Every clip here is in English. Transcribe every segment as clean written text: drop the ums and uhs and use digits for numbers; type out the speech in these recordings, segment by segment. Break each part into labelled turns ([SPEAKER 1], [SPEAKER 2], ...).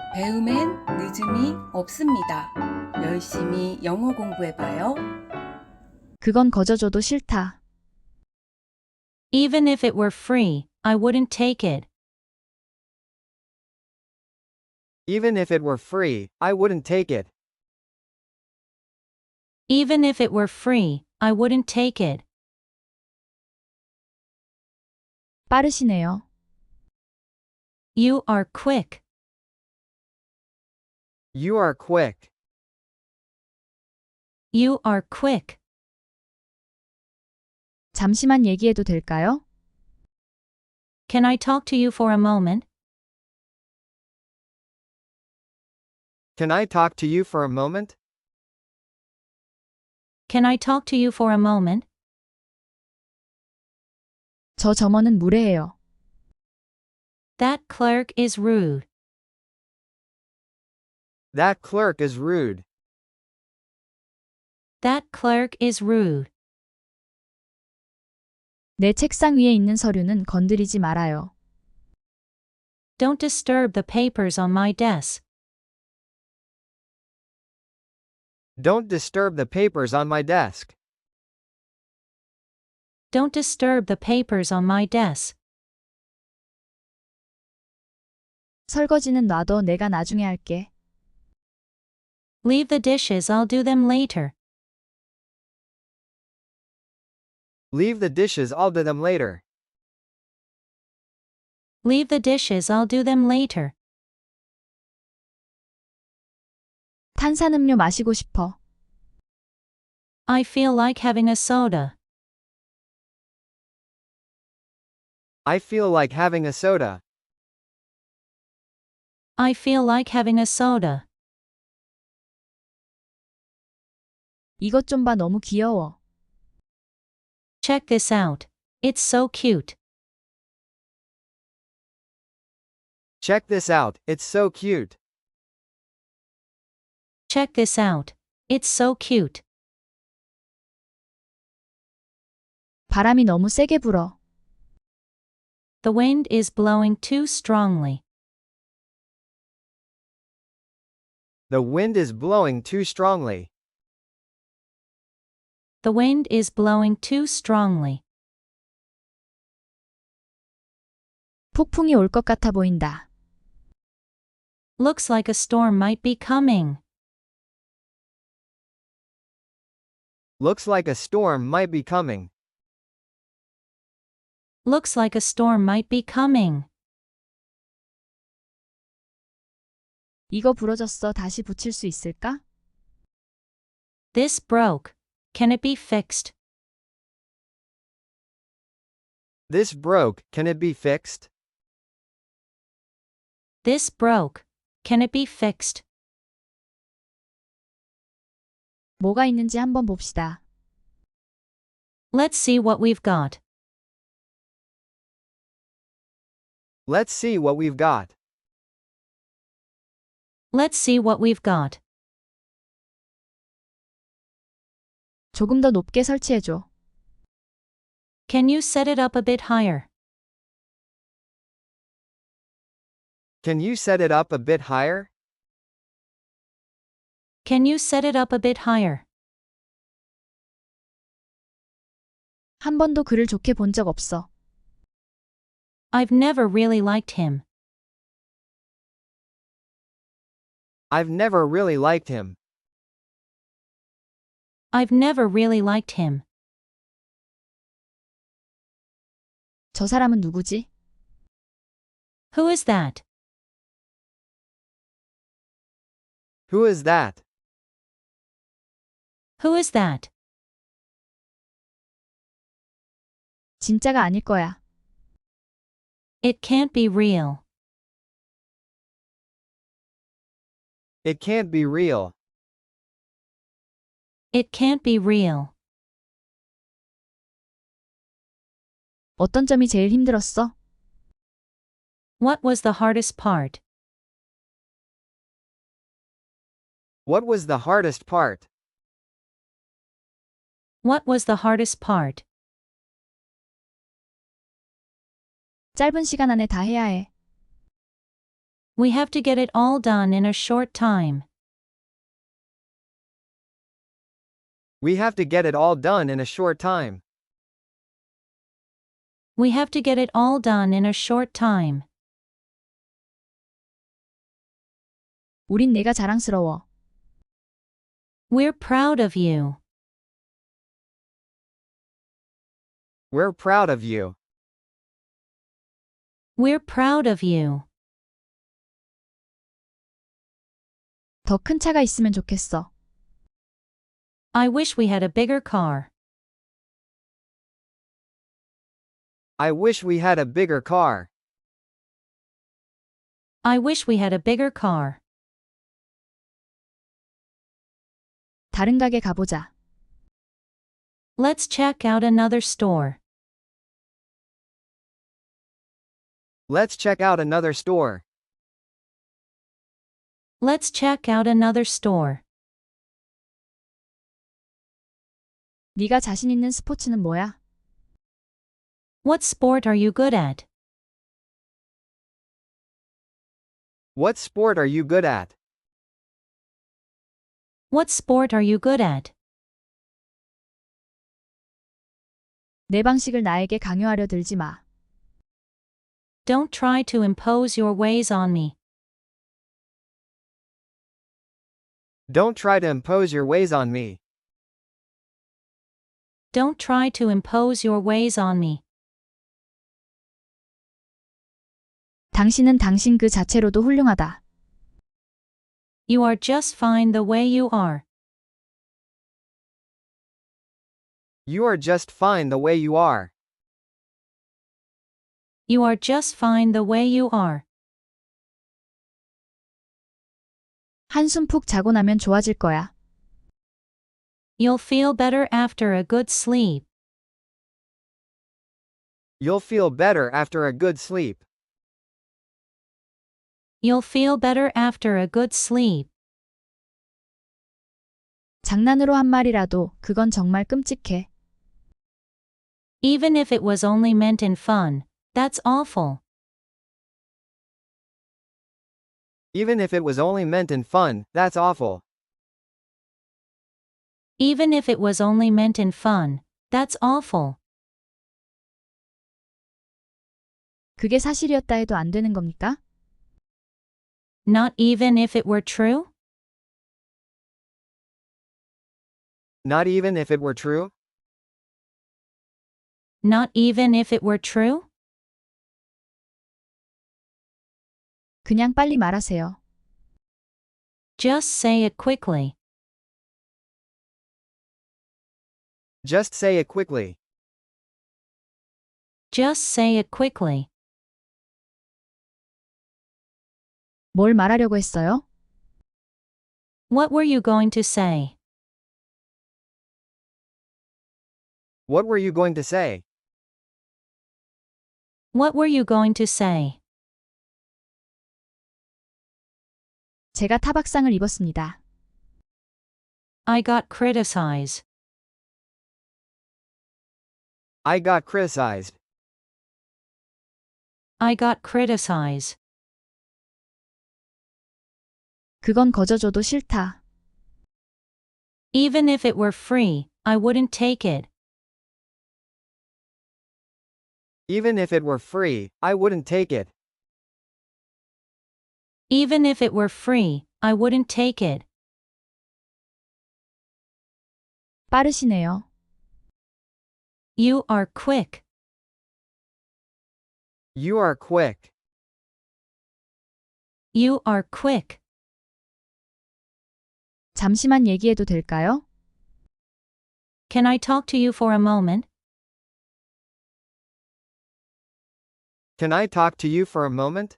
[SPEAKER 1] 배움엔 늦음이 없습니다. 열심히 영어 공부해봐요.
[SPEAKER 2] 그건 거저줘도 싫다.
[SPEAKER 3] Even if it were free, I wouldn't take it.
[SPEAKER 4] Even if it were free, I wouldn't take it.
[SPEAKER 3] Even if it were free, I wouldn't take it.
[SPEAKER 2] 빠르시네요.
[SPEAKER 3] You are quick.
[SPEAKER 4] You are quick.
[SPEAKER 3] You are quick.
[SPEAKER 2] 잠시만 얘기해도 될까요?
[SPEAKER 3] Can I talk to you for a moment?
[SPEAKER 4] Can I talk to you for a moment?
[SPEAKER 3] Can I talk to you for a moment?
[SPEAKER 2] 저 점원은 무례해요.
[SPEAKER 3] That clerk is rude.
[SPEAKER 4] That clerk is rude.
[SPEAKER 3] That clerk is rude.
[SPEAKER 2] 내 책상 위에 있는 서류는 건드리지 말아요.
[SPEAKER 3] Don't disturb the papers on my desk.
[SPEAKER 4] Don't disturb the papers on my desk.
[SPEAKER 3] Don't disturb the papers on my desk.
[SPEAKER 2] 설거지는 놔둬 내가 나중에 할게.
[SPEAKER 3] Leave the dishes, I'll do them later.
[SPEAKER 4] Leave the dishes, I'll do them later.
[SPEAKER 3] Leave the dishes, I'll do them later.
[SPEAKER 2] 탄산음료 마시고 싶어.
[SPEAKER 3] I feel like having a soda.
[SPEAKER 4] I feel like having a soda.
[SPEAKER 3] I feel like having a soda.
[SPEAKER 2] 이것 좀 봐 너무 귀여워.
[SPEAKER 3] Check this out. It's so cute.
[SPEAKER 4] Check this out, it's so cute.
[SPEAKER 3] Check this out. It's so cute.
[SPEAKER 2] 바람이 너무 세게 불어.
[SPEAKER 3] The wind is blowing too strongly.
[SPEAKER 4] The wind is blowing too strongly.
[SPEAKER 3] The wind is blowing too strongly.
[SPEAKER 2] 폭풍이 올 것 같아 보인다.
[SPEAKER 3] Looks like a storm might be coming.
[SPEAKER 4] Looks like a storm might be coming.
[SPEAKER 3] Looks like a storm might be coming.
[SPEAKER 2] 이거 부러졌어. 다시 붙일 수 있을까?
[SPEAKER 3] This broke. Can it be fixed?
[SPEAKER 4] This broke, can it be fixed?
[SPEAKER 3] This broke. Can it be fixed?
[SPEAKER 2] 뭐가 있는지 한번 봅시다.
[SPEAKER 3] Let's see what we've got.
[SPEAKER 4] Let's see what we've got.
[SPEAKER 3] Let's see what we've got.
[SPEAKER 2] 조금 더 높게 설치해줘.
[SPEAKER 3] Can you set it up a bit higher?
[SPEAKER 4] Can you set it up a bit higher?
[SPEAKER 3] Can you set it up a bit higher?
[SPEAKER 2] 한 번도 그를 좋게 본 적 없어.
[SPEAKER 3] I've never really liked him.
[SPEAKER 4] I've never really liked him.
[SPEAKER 3] I've never really liked him.
[SPEAKER 2] 저 사람은 누구지?
[SPEAKER 3] Who is that?
[SPEAKER 4] Who is that?
[SPEAKER 3] Who is that?
[SPEAKER 2] 진짜가 아닐 거야.
[SPEAKER 3] It can't be real.
[SPEAKER 4] It can't be real.
[SPEAKER 3] It can't be real.
[SPEAKER 2] 어떤 점이 제일 힘들었어?
[SPEAKER 3] What was the hardest part?
[SPEAKER 4] What was the hardest part?
[SPEAKER 3] What was the hardest part?
[SPEAKER 2] 짧은 시간 안에 다 해야 해.
[SPEAKER 3] We have to get it all done in a short time.
[SPEAKER 4] We have to get it all done in a short time.
[SPEAKER 3] We have to get it all done in a short time.
[SPEAKER 2] 우린 내가 자랑스러워.
[SPEAKER 3] We're proud of you.
[SPEAKER 4] We're proud of you.
[SPEAKER 3] We're proud of you.
[SPEAKER 2] 더 큰 차가 있으면 좋겠어.
[SPEAKER 3] I wish we had a bigger car.
[SPEAKER 4] I wish we had a bigger car.
[SPEAKER 3] I wish we had a bigger car.
[SPEAKER 2] 다른 가게 가보자.
[SPEAKER 3] Let's check out another store.
[SPEAKER 4] Let's check out another store.
[SPEAKER 3] Let's check out another store.
[SPEAKER 2] 네가 자신 있는 스포츠는 뭐야?
[SPEAKER 3] What sport are you good at?
[SPEAKER 4] What sport are you good at?
[SPEAKER 3] What sport are you good at?
[SPEAKER 2] 내 방식을 나에게 강요하려 들지 마.
[SPEAKER 3] Don't try to impose your ways on me.
[SPEAKER 4] Don't try to impose your ways on me.
[SPEAKER 3] Don't try to impose your ways on me.
[SPEAKER 2] 당신은 당신 그 자체로도 훌륭하다.
[SPEAKER 3] You are just fine the way you are.
[SPEAKER 4] You are just fine the way you are.
[SPEAKER 3] You are just fine the way you are.
[SPEAKER 2] 한숨 푹 자고 나면 좋아질 거야.
[SPEAKER 3] You'll feel better after a good sleep.
[SPEAKER 4] You'll feel better after a good sleep.
[SPEAKER 3] You'll feel better after a good sleep.
[SPEAKER 2] 장난으로 한 말이라도 그건 정말 끔찍해.
[SPEAKER 3] Even if it was only meant in fun, that's awful.
[SPEAKER 4] Even if it was only meant in fun, that's awful.
[SPEAKER 3] Even if it was only meant in fun, that's awful.
[SPEAKER 2] 그게 사실이었다 해도 안 되는 겁니까?
[SPEAKER 3] Not even if it were true?
[SPEAKER 4] Not even if it were true?
[SPEAKER 3] Not even if it were true?
[SPEAKER 2] 그냥 빨리 말하세요.
[SPEAKER 3] Just say it quickly.
[SPEAKER 4] Just say it quickly.
[SPEAKER 3] Just say it quickly.
[SPEAKER 2] 뭘 말하려고 했어요?
[SPEAKER 3] What were you going to say?
[SPEAKER 4] What were you going to say?
[SPEAKER 3] What were you going to say?
[SPEAKER 2] 제가 타박상을 입었습니다.
[SPEAKER 3] I got criticized.
[SPEAKER 4] I got criticized.
[SPEAKER 3] I got criticized.
[SPEAKER 2] 그건 거저줘도 싫다.
[SPEAKER 3] Even if it were free, I wouldn't take it.
[SPEAKER 4] Even if it were free, I wouldn't take it.
[SPEAKER 3] Even if it were free, I wouldn't take it.
[SPEAKER 2] 빠르시네요.
[SPEAKER 3] You are quick.
[SPEAKER 4] You are quick.
[SPEAKER 3] You are quick.
[SPEAKER 2] 잠시만 얘기해도 될까요?
[SPEAKER 3] Can I talk to you for a moment?
[SPEAKER 4] Can I talk to you for a moment?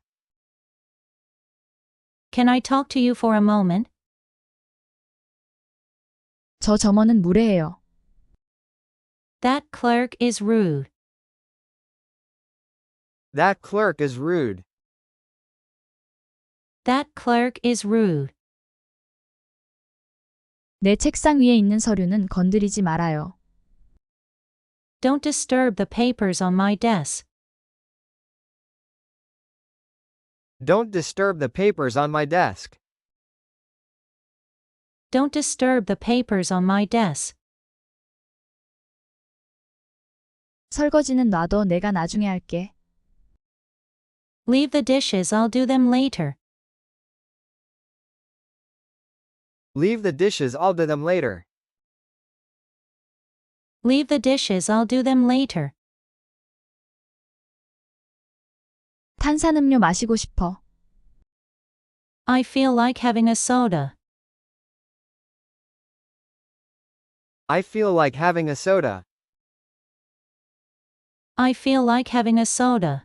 [SPEAKER 3] Can I talk to you for a moment?
[SPEAKER 2] 저 점원은 무례해요.
[SPEAKER 3] That clerk is rude.
[SPEAKER 4] That clerk is rude.
[SPEAKER 3] That clerk is rude.
[SPEAKER 2] 내 책상 위에 있는 서류는 건드리지 말아요.
[SPEAKER 3] Don't disturb the papers on my desk.
[SPEAKER 4] Don't disturb the papers on my desk.
[SPEAKER 3] Don't disturb the papers on my desk.
[SPEAKER 2] 설거지는 놔둬 내가 나중에 할게.
[SPEAKER 3] Leave the dishes, I'll do them later.
[SPEAKER 4] Leave the dishes, I'll do them later.
[SPEAKER 3] Leave the dishes, I'll do them later.
[SPEAKER 2] 탄산음료 마시고 싶어.
[SPEAKER 3] I feel like having a soda.
[SPEAKER 4] I feel like having a soda.
[SPEAKER 3] I feel like having a soda.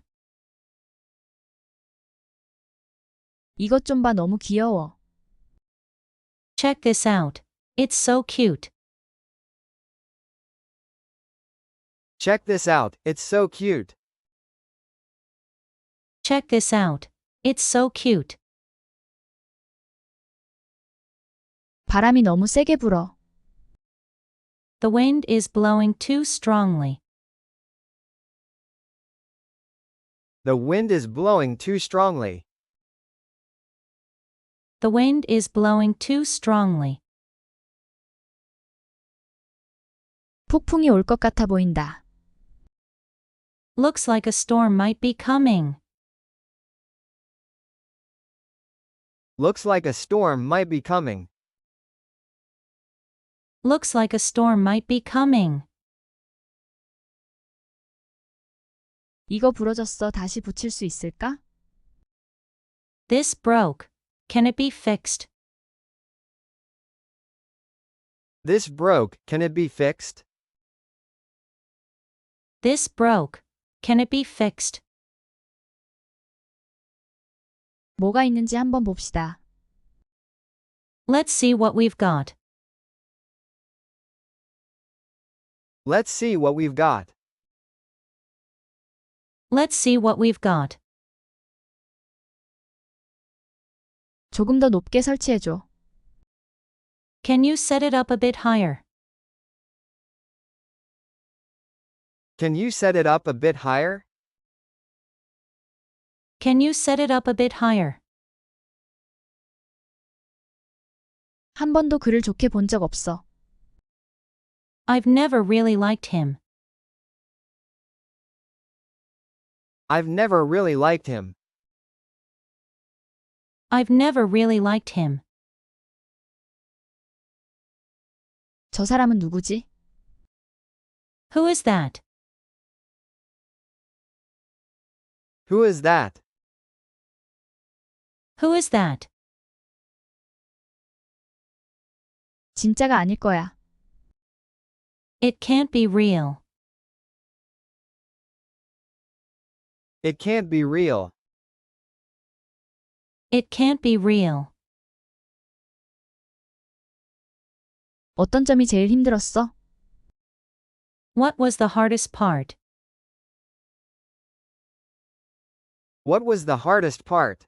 [SPEAKER 2] 이것 좀 봐, 너무 귀여워.
[SPEAKER 3] Check this out. It's so cute.
[SPEAKER 4] Check this out, it's so cute.
[SPEAKER 3] Check this out. It's so cute.
[SPEAKER 2] 바람이 너무 세게 불어.
[SPEAKER 3] The wind is blowing too strongly.
[SPEAKER 4] The wind is blowing too strongly.
[SPEAKER 3] The wind is blowing too strongly.
[SPEAKER 2] 폭풍이 올 것 같아 보인다.
[SPEAKER 3] Looks like a storm might be coming.
[SPEAKER 4] Looks like a storm might be coming.
[SPEAKER 3] Looks like a storm might be coming.
[SPEAKER 2] 이거 부러졌어. 다시 붙일 수 있을까?
[SPEAKER 3] This broke. Can it be fixed?
[SPEAKER 4] This broke, can it be fixed?
[SPEAKER 3] This broke. Can it be fixed?
[SPEAKER 2] 뭐가 있는지 한번 봅시다.
[SPEAKER 3] Let's see what we've got.
[SPEAKER 4] Let's see what we've got.
[SPEAKER 3] Let's see what we've got.
[SPEAKER 2] 조금 더 높게 설치해줘.
[SPEAKER 3] Can you set it up a bit higher?
[SPEAKER 4] Can you set it up a bit higher?
[SPEAKER 3] Can you set it up a bit higher?
[SPEAKER 2] 한 번도 그를 좋게 본 적 없어.
[SPEAKER 3] I've never really liked him.
[SPEAKER 4] I've never really liked him.
[SPEAKER 3] I've never really liked him.
[SPEAKER 2] 저 사람은 누구지?
[SPEAKER 3] Who is that?
[SPEAKER 4] Who is that?
[SPEAKER 3] Who is that?
[SPEAKER 2] 진짜가 아닐 거야.
[SPEAKER 3] It can't be real.
[SPEAKER 4] It can't be real.
[SPEAKER 3] It can't be real.
[SPEAKER 2] 어떤 점이 제일 힘들었어?
[SPEAKER 3] What was the hardest part?
[SPEAKER 4] What was the hardest part?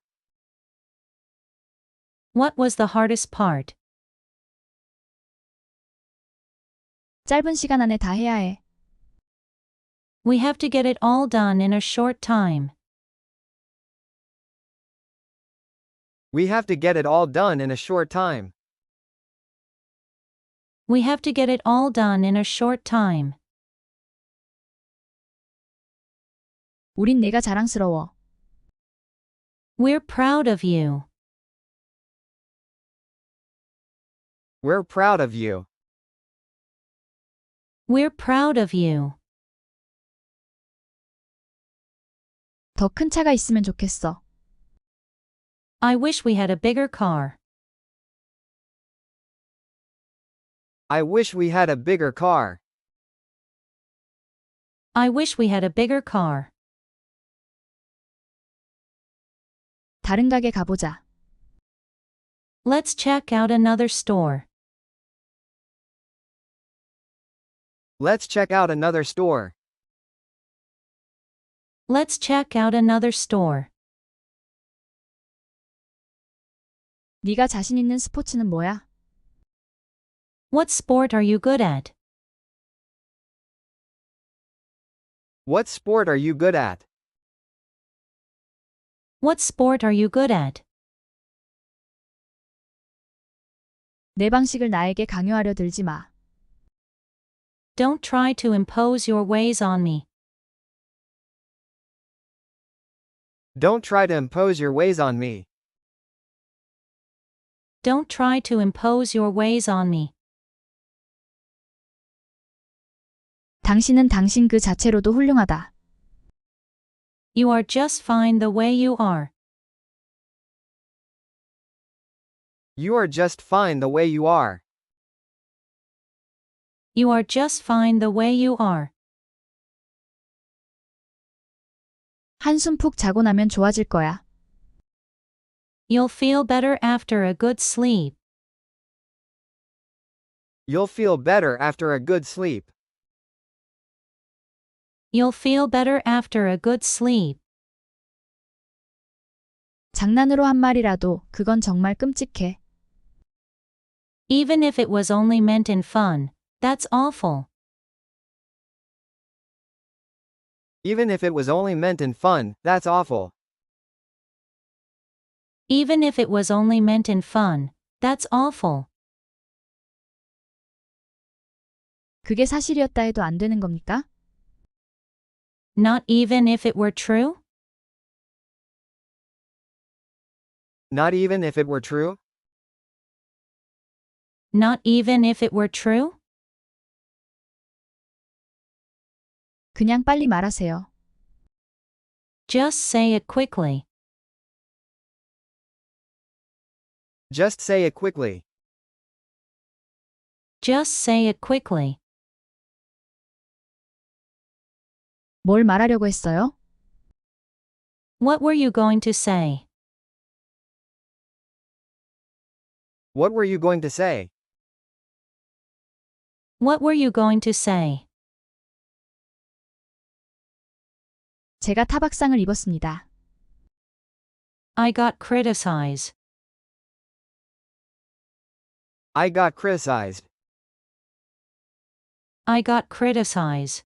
[SPEAKER 3] What was the hardest part?
[SPEAKER 2] 짧은 시간 안에 다 해야 해.
[SPEAKER 3] We have to get it all done in a short time.
[SPEAKER 4] We have to get it all done in a short time.
[SPEAKER 3] We have to get it all done in a short time.
[SPEAKER 2] 우린 내가 자랑스러워.
[SPEAKER 3] We're proud of you.
[SPEAKER 4] We're proud of you.
[SPEAKER 3] We're proud of you.
[SPEAKER 2] 더 큰 차가 있으면 좋겠어.
[SPEAKER 3] I wish we had a bigger car.
[SPEAKER 4] I wish we had a bigger car.
[SPEAKER 3] I wish we had a bigger car.
[SPEAKER 2] 다른 가게 가보자.
[SPEAKER 3] Let's check out another store.
[SPEAKER 4] Let's check out another store.
[SPEAKER 3] Let's check out another store.
[SPEAKER 2] 네가 자신 있는 스포츠는 뭐야?
[SPEAKER 3] What sport are you good at?
[SPEAKER 4] What sport are you good at?
[SPEAKER 3] What sport are you good at?
[SPEAKER 2] 내 방식을 나에게 강요하려 들지 마.
[SPEAKER 3] Don't try to impose your ways on me.
[SPEAKER 4] Don't try to impose your ways on me.
[SPEAKER 3] Don't try to impose your ways on me.
[SPEAKER 2] 당신은 당신 그 자체로도 훌륭하다.
[SPEAKER 3] You are just fine the way you are.
[SPEAKER 4] You are just fine the way you are.
[SPEAKER 3] You are just fine the way you are.
[SPEAKER 2] 한숨 푹 자고 나면 좋아질 거야.
[SPEAKER 3] You'll feel better after a good sleep.
[SPEAKER 4] You'll feel better after a good sleep.
[SPEAKER 3] You'll feel better after a good sleep.
[SPEAKER 2] 장난으로 한 말이라도 그건 정말 끔찍해.
[SPEAKER 3] Even if it was only meant in fun, that's awful.
[SPEAKER 4] Even if it was only meant in fun, that's awful.
[SPEAKER 3] Even if it was only meant in fun, that's awful.
[SPEAKER 2] 그게 사실이었다 해도 안 되는 겁니까?
[SPEAKER 3] Not even if it were true?
[SPEAKER 4] Not even if it were true?
[SPEAKER 3] Not even if it were true?
[SPEAKER 2] 그냥 빨리 말하세요.
[SPEAKER 3] Just say it quickly.
[SPEAKER 4] Just say it quickly.
[SPEAKER 3] Just say it quickly.
[SPEAKER 2] 뭘 말하려고 했어요?
[SPEAKER 3] What were you going to say?
[SPEAKER 4] What were you going to say?
[SPEAKER 3] What were you going to say?
[SPEAKER 2] 제가 타박상을 입었습니다.
[SPEAKER 3] I got criticized.
[SPEAKER 4] I got criticized.
[SPEAKER 3] I got criticized.